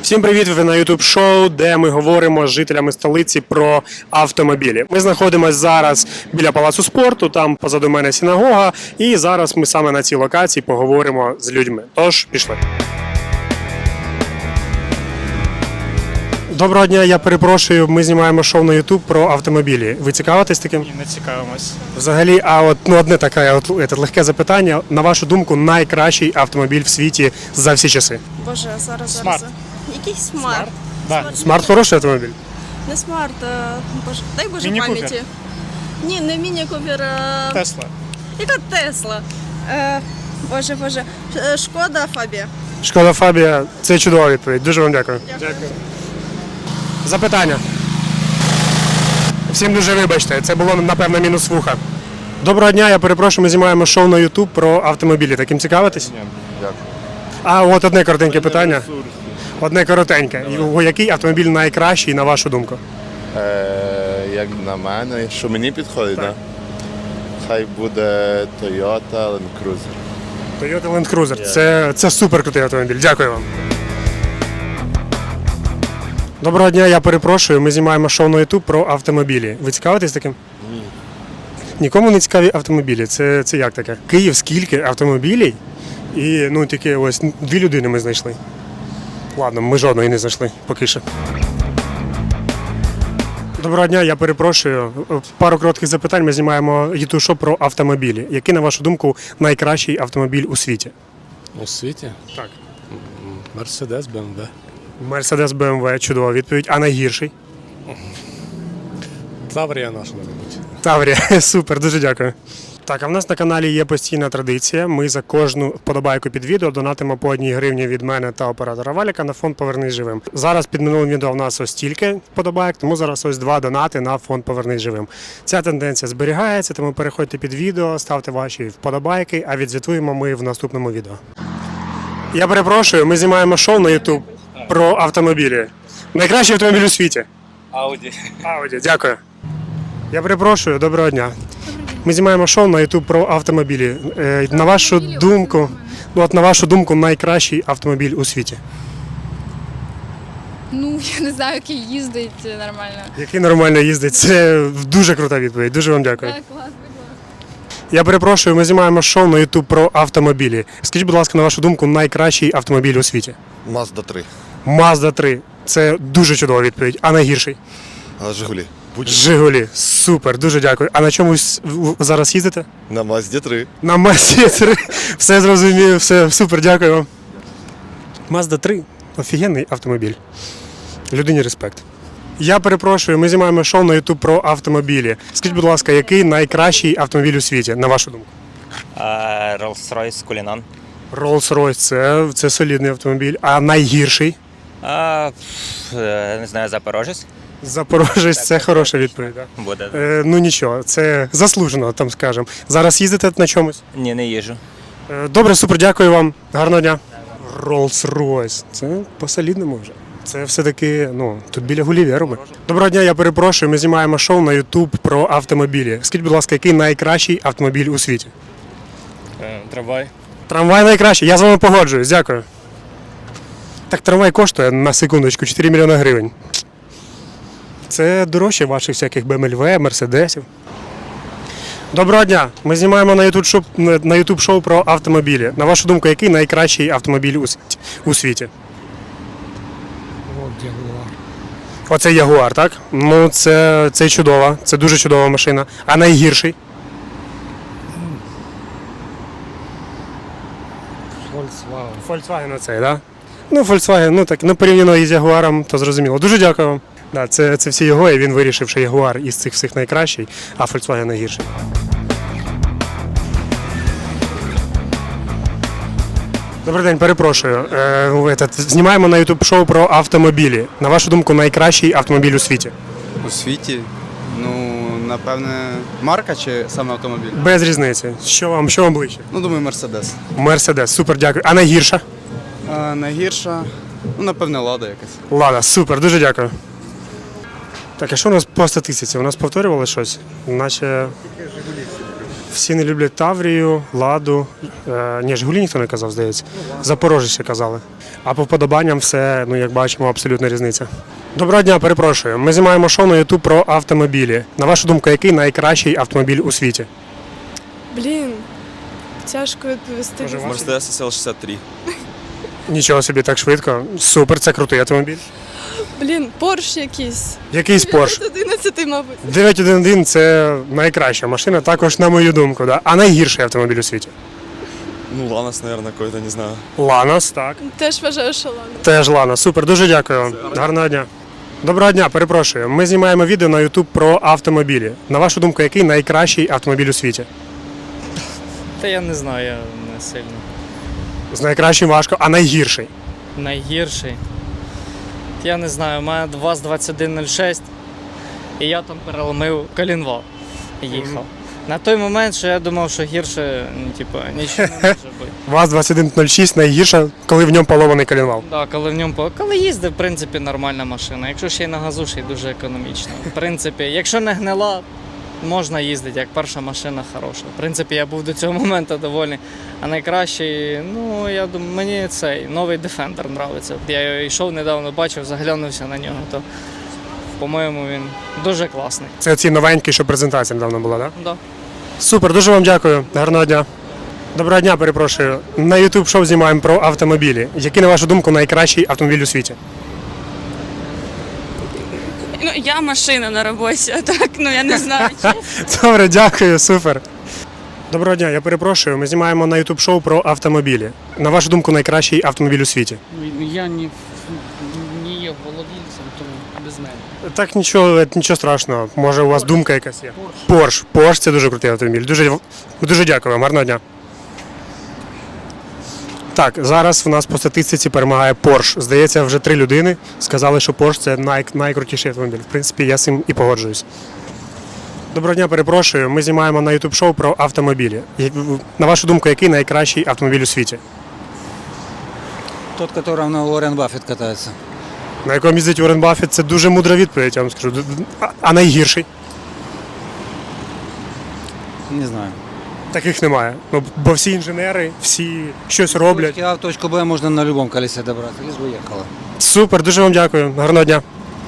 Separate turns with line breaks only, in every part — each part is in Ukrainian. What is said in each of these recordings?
Всім привіт! Ви на YouTube шоу, де ми говоримо з жителями столиці про автомобілі. Ми знаходимося зараз біля Палацу спорту, там позаду мене синагога, і зараз ми саме на цій локації поговоримо з людьми. Тож, пішли. Доброго дня, я перепрошую, ми знімаємо шоу на YouTube про автомобілі. Ви цікавитесь таким?
Ні, не цікавимось.
Взагалі, одне таке легке запитання. На вашу думку, найкращий автомобіль в світі за всі часи?
Боже, зараз.
Смарт.
Який смарт?
Да.
Смарт хороший автомобіль?
Не смарт, боже, дай Боже
Міні-купер.
пам'яті. Ні, не міні-купер.
Тесла.
Яка Тесла? Боже. Шкода Фабія.
Шкода Фабія – це чудова відповідь. Дуже вам дякую.
Дякую.
Запитання. Всім дуже вибачте, це було, напевно, мінус вуха. Доброго дня, я перепрошую, ми знімаємо шоу на YouTube про автомобілі. Таким цікавитесь?
Ні, дякую.
А от одне коротеньке питання. Одне коротеньке. Який автомобіль найкращий, на вашу думку?
Як на мене, що мені підходить, так? Хай буде Toyota Land Cruiser.
Toyota Land Cruiser. Це супер крутий автомобіль. Дякую вам. Доброго дня, я перепрошую, ми знімаємо шоу на YouTube про автомобілі. Ви цікавитесь таким?
Ні.
Нікому не цікаві автомобілі. Це як таке? Київ скільки автомобілів? І тільки ось 2 людини ми знайшли. Ладно, ми жодної не знайшли поки що. Доброго дня, я перепрошую. Пару коротких запитань. Ми знімаємо YouTube шоу про автомобілі. Який, на вашу думку, найкращий автомобіль у світі?
У світі?
Так.
Мерседес, БМВ.
Мерседес, БМВ, чудова відповідь. А найгірший?
Таврія наша, мабуть.
Таврія, супер, дуже дякую. Так, а в нас на каналі є постійна традиція. Ми за кожну вподобайку під відео донатимо по 1 гривні від мене та оператора Валіка на фонд «Повернись живим». Зараз під минулим відео в нас ось стільки вподобайок, тому зараз ось 2 донати на фонд «Повернись живим». Ця тенденція зберігається, тому переходьте під відео, ставте ваші вподобайки, а відзвітуємо ми в наступному відео. Я перепрошую, ми знімаємо шоу на YouTube про автомобілі. Найкращий автомобіль у світі.
Ауді.
Ауді, дякую. Я перепрошую, доброго дня. Ми знімаємо шоу на YouTube про автомобілі. На вашу думку, найкращий автомобіль у світі?
Ну, я не знаю, який їздить нормально.
Який нормально їздить? Це дуже крута відповідь. Дуже вам дякую.
Так, клас, будь ласка.
Я перепрошую, ми знімаємо шоу на YouTube про автомобілі. Скажіть, будь ласка, на вашу думку, найкращий автомобіль у світі?
Mazda 3.
Mazda 3. Це дуже чудова відповідь. А найгірший?
Жигулі.
Жигулі. Супер, дуже дякую. А на чомусь зараз їздите?
На Mazda 3.
На Mazda 3. Все зрозумів, все супер, дякую вам. Mazda 3 офігенний автомобіль. Людині респект. Я перепрошую, ми знімаємо шоу на YouTube про автомобілі. Скажіть, будь ласка, який найкращий автомобіль у світі, на вашу думку?
Rolls-Royce Cullinan.
Rolls-Royce, це солідний автомобіль. А найгірший?
Не знаю, Запорожець.
Запорожець, це хороша відповідь. Так?
Буде.
Ну нічого, це заслужено, там скажемо. Зараз їздите на чомусь?
Ні, не їжу.
Добре, супер, дякую вам. Гарного дня. Rolls-Royce. Це по-солідному вже. Це все-таки, тут біля Гулівера ми. Доброго дня, я перепрошую, ми знімаємо шоу на YouTube про автомобілі. Скажіть, будь ласка, який найкращий автомобіль у світі?
Трамвай.
Трамвай найкращий, я з вами погоджуюсь, дякую. Так, трамвай коштує, на секундочку, 4 мільйони гривень. Це дорожче ваших всяких BMW, Мерседесів. Доброго дня, ми знімаємо на YouTube шоу про автомобілі. На вашу думку, який найкращий автомобіль у світі? Оце Ягуар, так? Ну, це чудова, це дуже чудова машина. А найгірший? Volkswagen оцей, так? Ну, Volkswagen, так, порівняно із Ягуаром, то зрозуміло. Дуже дякую вам. Да, це всі його, і він вирішив, що Ягуар із цих всіх найкращий, а Volkswagen найгірший. Добрий день, перепрошую. Знімаємо на YouTube шоу про автомобілі. На вашу думку, найкращий автомобіль у світі?
У світі? Напевне, марка чи саме автомобіль?
Без різниці. Що вам ближче?
Думаю, Мерседес.
Мерседес, супер, дякую. А найгірша?
Найгірша? Напевне, Лада якась.
Лада, супер, дуже дякую. Так, а що у нас по статистиці? У нас повторювали щось? Наче... Всі не люблять Таврію, Ладу. Ні, Жигулі ніхто не казав, здається. Запорожець ще казали. А по вподобанням все, ну як бачимо, абсолютна різниця. Доброго дня, перепрошую. Ми знімаємо шоу на YouTube про автомобілі. На вашу думку, який найкращий автомобіль у світі?
Блін, тяжко відповісти.
Може, ваш?
Mercedes SL63.
Нічого собі, так швидко. Супер, це крутий автомобіль.
Блін, Порш якийсь.
Якийсь Porsche.
11, мабуть.
911 – це найкраща машина, також на мою думку. Да? А найгірший автомобіль у світі?
Ну, Ланос, наверное, какой-то, не знаю.
Ланос, так.
Теж вважаю, що ладно.
Теж Ланос. Супер, дуже дякую вам. Гарного дня. Доброго дня, перепрошую. Ми знімаємо відео на YouTube про автомобілі. На вашу думку, який найкращий автомобіль у світі?
Та я не знаю, я не сильно.
З найкращим важко, а найгірший?
Найгірший. Я не знаю, у мене ВАЗ-2106, і я там переломив колінвал і їхав. На той момент, що я думав, що гірше, ну, типу, нічого не може бути.
ВАЗ-2106 найгірша, коли в ньому поломаний коленвал.
Да, коли їздив, в принципі, нормальна машина. Якщо ще й на газу, ще й дуже економічно. В принципі, якщо не гнила, можна їздити, як перша машина хороша. В принципі, я був до цього моменту довольний. А найкращий, ну, я думаю, мені цей новий Defender подобається. Я його йшов недавно, бачив, заглянувся на нього, то, по-моєму, він дуже класний.
Це ці новенькі, що презентація недавно була, так?
Да.
Супер, дуже вам дякую. Гарного дня. Доброго дня, перепрошую. На YouTube шоу знімаємо про автомобілі. Який, на вашу думку, найкращий автомобіль у світі?
Ну, я машина на роботі, а так, ну я не знаю.
Добре, дякую, супер. Доброго дня, я перепрошую. Ми знімаємо на YouTube шоу про автомобілі. На вашу думку, найкращий автомобіль у світі?
Я не є володільцем, тому без мене.
Так, нічого страшного. Може, у вас думка якась є? Porsche. Porsche – це дуже крутий автомобіль. Дуже дякую вам. Гарного дня. Так, зараз в нас по статистиці перемагає Porsche. Здається, вже 3 людини сказали, що Porsche – це найкрутіший автомобіль. В принципі, я з цим і погоджуюсь. Доброго дня, перепрошую. Ми знімаємо на YouTube шоу про автомобілі. На вашу думку, який найкращий автомобіль у світі?
Тот, которым на Уоррен Баффет катается.
На якому їздить Уоррен Баффет – це дуже мудра відповідь, я вам скажу. А найгірший?
Не знаю.
Таких немає. Ну, бо всі інженери, всі щось роблять.
Точки А в точку Б можно на любом колесе добраться, лишь бы ехала.
Супер, дуже вам дякую. Гарного дня.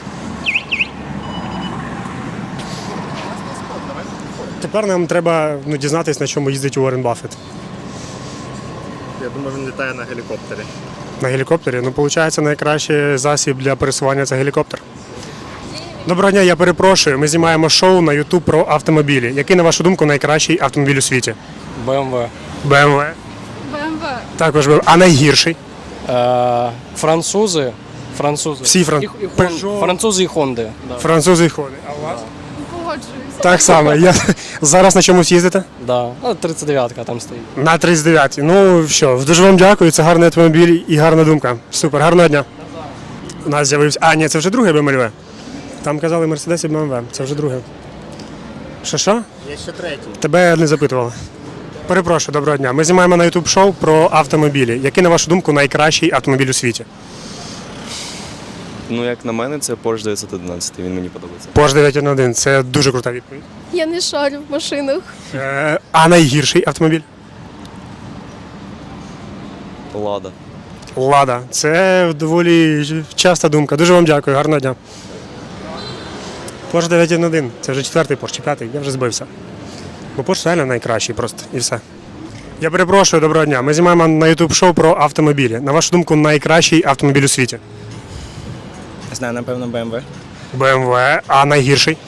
Тепер нам треба дізнатися, на чому їздить Уоррен Баффет.
Я думаю, він літає на гелікоптері.
На гелікоптері? Ну, виходить, найкращий засіб для пересування – це гелікоптер. Доброго дня, я перепрошую. Ми знімаємо шоу на YouTube про автомобілі. Який, на вашу думку, найкращий автомобіль у світі?
BMW.
BMW.
БМВ.
Також BMW. А найгірший?
Французи.
Всі
Французи і Хонди.
французи і ходи. А у вас?
Погоджуюсь.
Так само. Зараз на чомусь їздите?
Да. 39-ка там стоїть.
На 39. Ну що, дуже вам дякую. Це гарний автомобіль і гарна думка. Супер, гарного дня. У нас з'явився. А, ні, це вже другий BMW. Там казали Mercedes і BMW. Це вже друге. Що?
Є ще третій.
Тебе не запитували. Перепрошую, доброго дня. Ми знімаємо на YouTube шоу про автомобілі. Який, на вашу думку, найкращий автомобіль у світі?
Ну, як на мене, це Porsche 911, він мені подобається.
Porsche 911. Це дуже крута відповідь.
Я не шарю в машинах.
А найгірший автомобіль?
Лада.
Лада. Це доволі часта думка. Дуже вам дякую. Гарного дня. Porsche 911. Це вже 4-й Porsche, чи 5-й. Я вже збився. Бо Porsche реально найкращий просто. І все. Я перепрошую, доброго дня. Ми знімаємо на YouTube шоу про автомобілі. На вашу думку, найкращий автомобіль у світі?
Не знаю, напевно, BMW.
BMW. А найгірший?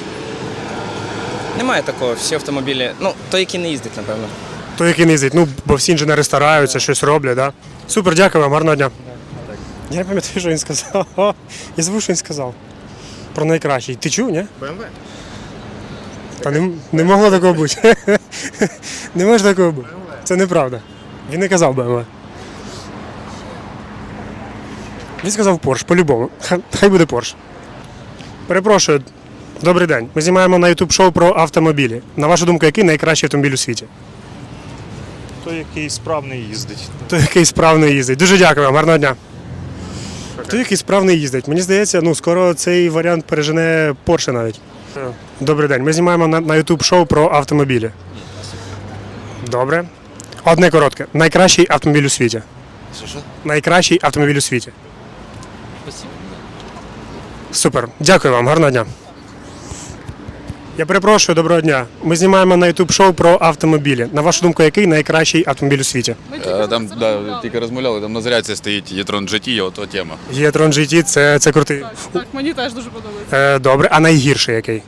Немає такого, всі автомобілі. Ну, той, який не їздить, напевно.
Той, який не їздить. Ну, бо всі інженери стараються, щось роблять, да? Супер, дякую вам, гарного дня. Я не пам'ятаю, що він сказав. Я забув, що він сказав. Про найкращий. Ти чув, ні?
BMW?
Та не могло такого бути. Не може такого бути. Це неправда. Він не казав BMW. Він сказав Porsche, по-любому. Хай буде Porsche. Перепрошую, добрий день. Ми знімаємо на YouTube шоу про автомобілі. На вашу думку, який найкращий автомобіль у світі?
Той, який справний їздить.
Той, який справно їздить. Дуже дякую вам, гарного дня. Той, який справно їздить. Мені здається, скоро цей варіант пережене Porsche навіть. Добрий день. Ми знімаємо на YouTube шоу про автомобілі. Добре. Одне коротке. Найкращий автомобіль у світі.
Що?
Найкращий автомобіль у світі. Супер. Дякую вам, гарного дня. Я перепрошую, доброго дня. Ми знімаємо на YouTube шоу про автомобілі. На вашу думку, який найкращий автомобіль у світі?
Там тільки розмовляли, там на зарядці стоїть e-tron GT, ото тема.
e-tron GT – це крутий.
Так, мені теж дуже подобається.
Добре, а найгірший який?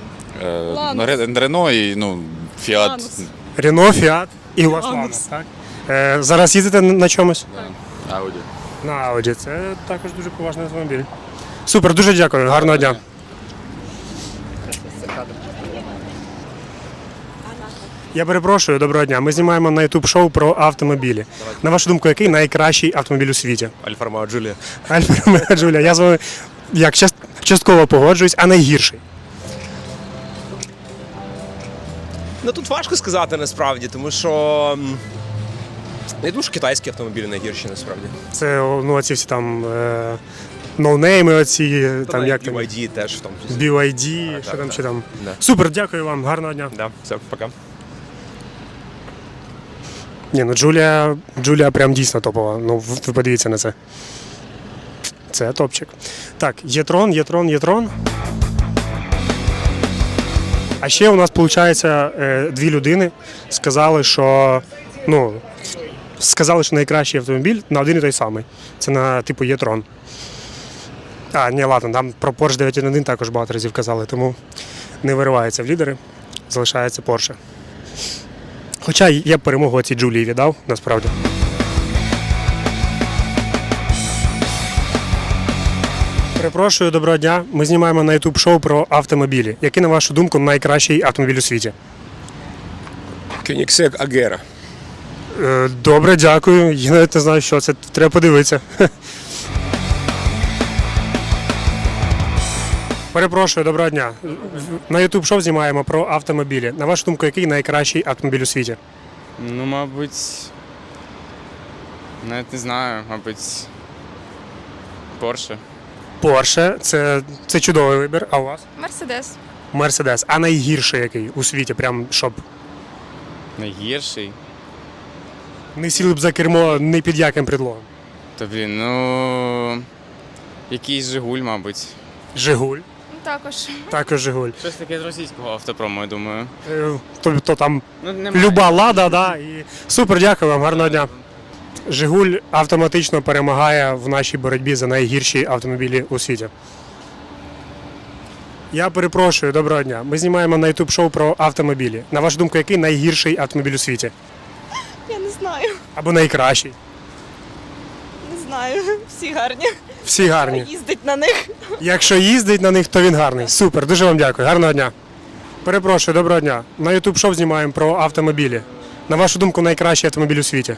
Рено і Fiat.
Рено, Фіат і у вас Ланос, так? Зараз їздите на чомусь?
Audi.
На Audi. Це також дуже поважний автомобіль. Супер, дуже дякую, гарного дня. Я перепрошую, доброго дня. Ми знімаємо на YouTube шоу про автомобілі. На вашу думку, який найкращий автомобіль у світі?
Альфа Ромео Джулія.
Альфа Ромео Джулія. Я з вами як частково погоджуюсь, а найгірший?
Ну тут важко сказати насправді, тому що я думаю, що китайські автомобілі найгірші насправді.
Це оці всі там ноунейми оці, там як там,
BYD теж в тому числі.
BYD, що там, що там.
Да.
Супер, дякую вам, гарного дня.
Да, все, пока.
Ні, ну Джулія прям дійсно топова. Ну, ви подивіться на це. Це топчик. Так, є-трон. А ще у нас, виходить, дві людини сказали, що найкращий автомобіль на один і той самий. Це на типу є-трон. Ні, ладно, там про Porsche 911 також багато разів казали, тому не виривається в лідери, залишається Porsche. Хоча я б перемогу цій Джулії віддав, насправді. Перепрошую, доброго дня. Ми знімаємо на YouTube шоу про автомобілі. Який, на вашу думку, найкращий автомобіль у світі?
Koenigsegg Agera.
Добре, дякую. Я навіть не знаю, що це. Треба подивитися. Перепрошую, доброго дня. На YouTube шоу знімаємо про автомобілі. На вашу думку, який найкращий автомобіль у світі?
Ну, мабуть, навіть не знаю, мабуть, Porsche.
Porsche – це чудовий вибір. А у вас?
Мерседес.
Mercedes. А найгірший який у світі? Прям щоб
Найгірший?
не сіли б за кермо ні під яким предлогом.
Та, якийсь Жигуль, мабуть.
Жигуль.
Також.
Також Жигуль.
Щось таке з російського автопрому, я думаю.
Тобто там
Немає.
люба Лада, да. І... Супер, дякую вам, гарного дня. Жигуль автоматично перемагає в нашій боротьбі за найгірші автомобілі у світі. Я перепрошую, доброго дня. Ми знімаємо на YouTube шоу про автомобілі. На вашу думку, який найгірший автомобіль у світі?
Я не знаю.
Або найкращий?
Не знаю. Всі гарні.
Всі гарні.
Їздить на них.
Якщо їздить на них, то він гарний. Супер, дуже вам дякую. Гарного дня. Перепрошую, доброго дня. На YouTube шоу знімаємо про автомобілі. На вашу думку, найкращий автомобіль у світі?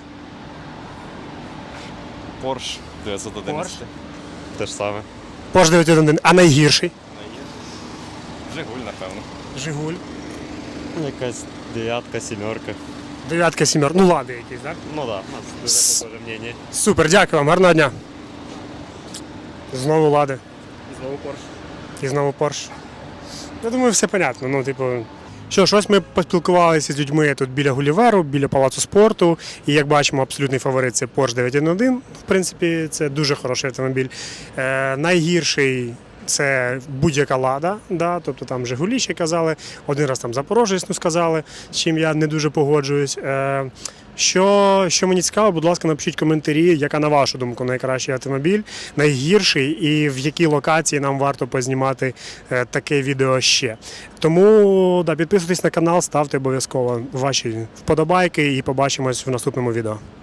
Porsche 911. Те ж саме.
Porsche 911. А найгірший?
Жигуль, напевно.
Жигуль.
Якась дев'ятка, сімерка.
Дев'ятка, сімерка. Ну, Лади якісь, так?
Ну так, да, у нас дуже похоже мнення.
Супер, дякую вам, гарного дня. Знову Лади.
Знову Porsche.
І знову Porsche. Я думаю, все понятно. Ну, типу, що ж, ось ми поспілкувалися з людьми тут біля Гуліверу, біля Палацу спорту. І як бачимо, абсолютний фаворит це Porsche 911. В принципі, це дуже хороший автомобіль. Найгірший це будь-яка Лада, да? Тобто там Жигулі ще казали, один раз там Запорожець сказали, з чим я не дуже погоджуюсь. Що мені цікаво, будь ласка, напишіть коментарі, яка, на вашу думку, найкращий автомобіль, найгірший і в якій локації нам варто познімати таке відео ще. Тому підписуйтесь на канал, ставте обов'язково ваші вподобайки і побачимось в наступному відео.